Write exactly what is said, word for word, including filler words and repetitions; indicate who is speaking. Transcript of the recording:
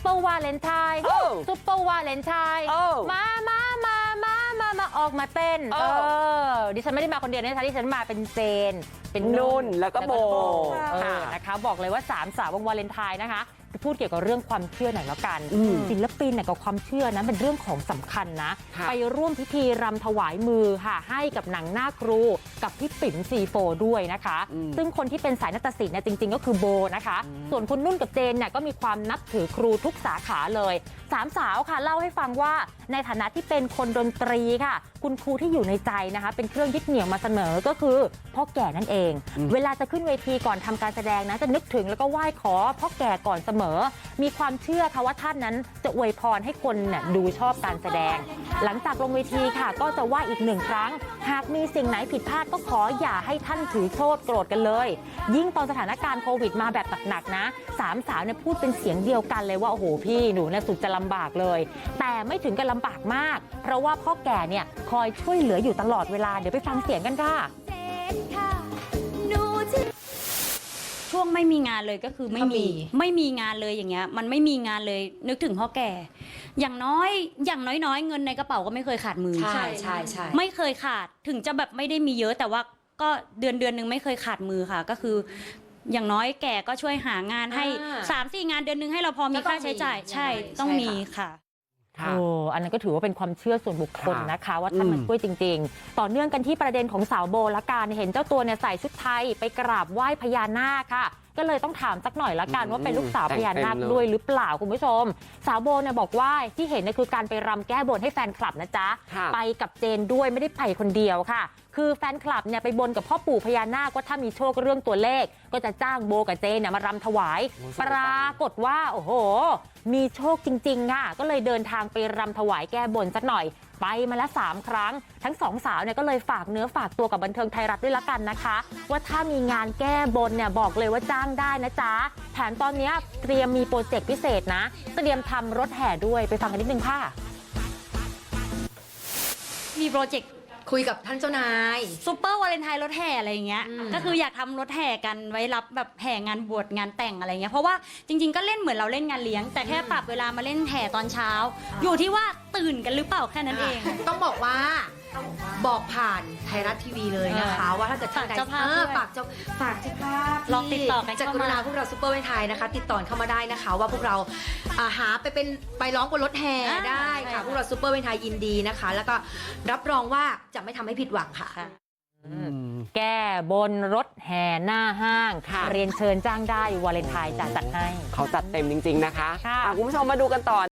Speaker 1: เปอร์วาเลนไทน์ซุปเปอร์วาเลนไทน์มามามามามามาออกมาเต้นเออดิฉันไม่ได้มาคนเดียวนะคะดิฉันมาเป็นเจนเป็นนุ่น
Speaker 2: แล้วก็โบ
Speaker 1: นะคะบอกเลยว่าสามสาววงวาเลนไทน์นะคะพูดเกี่ยวกับเรื่องความเชื่อหน่อยแล้วกันศิลปินกับความเชื่อนะเป็นเรื่องของสำคัญนะไปร่วมพิธีรำถวายมือค่ะให้กับหนังหน้าครูกับพี่ปิ๋มซีโฟด้วยนะคะซึ่งคนที่เป็นสายนาฏศิลป์เนี่ยจริงๆก็คือโบนะคะส่วนคุณนุ่นกับเจนเนี่ยก็มีความนับถือครูทุกสาขาเลยสามสาวค่ะเล่าให้ฟังว่าในฐานะที่เป็นคนดนตรีค่ะคุณครูที่อยู่ในใจนะคะเป็นเครื่องยึดเหนี่ยวมาเสมอก็คือพ่อแก่นั่นเองเวลาจะขึ้นเวทีก่อนทำการแสดงนะจะนึกถึงแล้วก็ไหว้ขอพ่อแก่ก่อนเสมอมีความเชื่อค่ะว่าท่านนั้นจะอวยพรให้คนเนี่ยดูชอบการแสดงหลังจากลงเวทีค่ะก็จะไหว้อีกหนึ่งครั้งหากมีสิ่งไหนผิดพลาดก็ขออย่าให้ท่านถือโทษโกรธกันเลยยิ่งตอนสถานการณ์โควิดมาแบบหนักๆนะสามสาวเนี่ยพูดเป็นเสียงเดียวกันเลยว่าโอ้โหพี่หนูเนี่ยสุดจะลำบากเลยแต่ไม่ถึงกับลำบากมากเพราะว่าพ่อแก่เนี่ยคอยช่วยเหลืออยู่ตลอดเวลาเดี๋ยวไปฟังเสียงกันค่ะ
Speaker 3: ช่วงไม่มีงานเลยก็คือไม่มีไม่มีงานเลยอย่างเงี้ยมันไม่มีงานเลยนึกถึงพ่อแก่อย่างน้อยอย่างน้อยๆเงินในกระเป๋าก็ไม่เคยขาดมือ
Speaker 2: ใช่ใช่ใช่
Speaker 3: ไม่เคยขาดถึงจะแบบไม่ได้มีเยอะแต่ว่าก็เดือนเดือนนึงไม่เคยขาดมือค่ะก็คืออย่างน้อยแก่ก็ช่วยหางานให้ สามสี่ งานเดือนนึงให้เราพอมีค่าใช้จ่ายใช่ต้องมีค่ะ
Speaker 1: โอ้อันนั้นก็ถือว่าเป็นความเชื่อส่วนบุคคลนะคะว่าท่านมันช่วยจริงๆต่อเนื่องกันที่ประเด็นของสาวโบละกันเห็นเจ้าตัวเนี่ยใส่ชุดไทยไปกราบไหว้พญานาคค่ะก็เลยต้องถามสักหน่อยละกันว่าเป็นลูกสาวพญานาคด้วยหรือเปล่าคุณผู้ชมสาวโบเนี่ยบอกว่าที่เห็นเนี่ยคือการไปรำแก้บนให้แฟนคลับนะจ๊ะไปกับเจนด้วยไม่ได้ไปคนเดียวค่ะคือแฟนคลับเนี่ยไปบนกับพ่อปู่พญานาคว่าถ้ามีโชคเรื่องตัวเลขก็จะจ้างโบกับเจนเนี่ยมารำถวายปรากฏว่าโอ้โหมีโชคจริงๆค่ะก็เลยเดินทางไปรำถวายแก้บนสักหน่อยไปมาแล้วสามครั้งทั้งสองสาวเนี่ยก็เลยฝากเนื้อฝากตัวกับบันเทิงไทยรัฐด้วยละกันนะคะว่าถ้ามีงานแก้บนเนี่ยบอกเลยว่าจ้างได้นะจ๊ะแถมตอนนี้เตรียมมีโปรเจกต์พิเศษนะเตรียมทำรถแห่ด้วยไปฟังกันนิดนึงค่ะ
Speaker 3: มีโปรเจกต์
Speaker 4: คุยกับท่านเจ้านาย
Speaker 3: ซูเปอร์วาเลนไทน์รถแห่อะไรอย่างเงี้ยก็คืออยากทำรถแห่กันไว้รับแบบแห่งานบวชงานแต่งอะไรเงี้ยเพราะว่าจริงๆก็เล่นเหมือนเราเล่นงานเลี้ยงแต่แค่ปรับเวลามาเล่นแห่ตอนเช้าอยู่ที่ว่าตื่นกันหรือเปล่าแค่นั้นเอง
Speaker 4: ต้องบอกว่าบอกผ่านไทยรัฐทีวีเลยนะคะว่าถ้าเกิดท่านใดฝากเจ้าฝากเจ้าภาพ
Speaker 3: ลองติดต่อกัน
Speaker 4: จากกรุณาพวกเราซูเปอร์วาเลนไทน์นะคะติดต่อเข้ามาได้นะคะว่าพวกเราหาไปเป็นไปร้องบนรถแห่ได้ค่ะพวกเราซูเปอร์วาเลนไทน์ยินดีนะคะแล้วก็รับรองว่าจะไม่ทำให้ผิดหวังค่ะ
Speaker 1: แก้บนรถแห่หน้าห้างเรียนเชิญจ้างได้วาเลนไทน์จะจัดให้
Speaker 2: เขาจัดเต็มจริงๆนะคะคุณผู้ชมมาดูกันต่อ